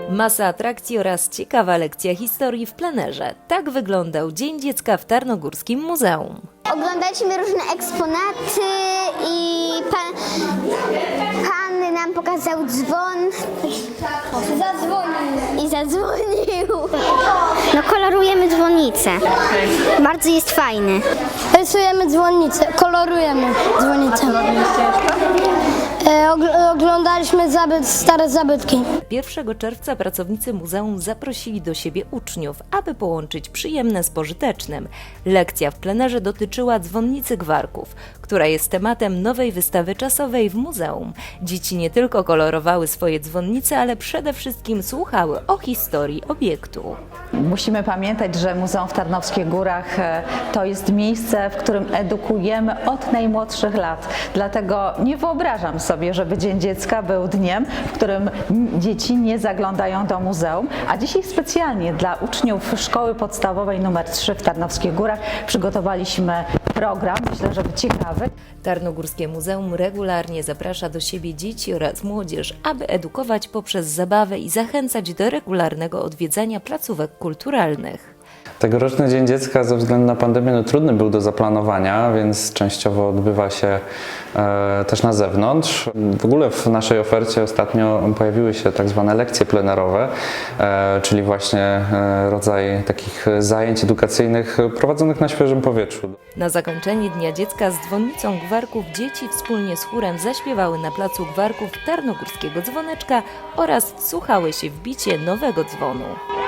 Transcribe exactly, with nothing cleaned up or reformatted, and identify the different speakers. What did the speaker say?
Speaker 1: Masa atrakcji oraz ciekawa lekcja historii w plenerze. Tak wyglądał Dzień Dziecka w Tarnogórskim Muzeum.
Speaker 2: Oglądaliśmy różne eksponaty i pan, pan nam pokazał dzwon. Zadzwonił. I zadzwonił.
Speaker 3: No kolorujemy dzwonnicę. Bardzo jest fajny.
Speaker 4: Rysujemy dzwonnicę, kolorujemy dzwonnicę. E, ogl- oglądaliśmy zabyt, stare zabytki.
Speaker 1: pierwszego czerwca pracownicy muzeum zaprosili do siebie uczniów, aby połączyć przyjemne z pożytecznym. Lekcja w plenerze dotyczyła dzwonnicy Gwarków, która jest tematem nowej wystawy czasowej w muzeum. Dzieci nie tylko kolorowały swoje dzwonnice, ale przede wszystkim słuchały o historii obiektu.
Speaker 5: Musimy pamiętać, że Muzeum w Tarnowskich Górach to jest miejsce, w którym edukujemy od najmłodszych lat. Dlatego nie wyobrażam sobie, żeby Dzień Dziecka był dniem, w którym dzieci nie zaglądają do muzeum, a dzisiaj specjalnie dla uczniów Szkoły Podstawowej numer trzy w Tarnowskich Górach przygotowaliśmy program, myślę, że ciekawy.
Speaker 1: Tarnogórskie Muzeum regularnie zaprasza do siebie dzieci oraz młodzież, aby edukować poprzez zabawę i zachęcać do regularnego odwiedzania placówek kulturalnych.
Speaker 6: Tegoroczny Dzień Dziecka ze względu na pandemię no, trudny był do zaplanowania, więc częściowo odbywa się e, też na zewnątrz. W ogóle w naszej ofercie ostatnio pojawiły się tak zwane lekcje plenerowe, e, czyli właśnie e, rodzaj takich zajęć edukacyjnych prowadzonych na świeżym powietrzu.
Speaker 1: Na zakończenie Dnia Dziecka z dzwonnicą Gwarków dzieci wspólnie z chórem zaśpiewały na placu Gwarków Tarnogórskiego Dzwoneczka oraz wsłuchały się w bicie nowego dzwonu.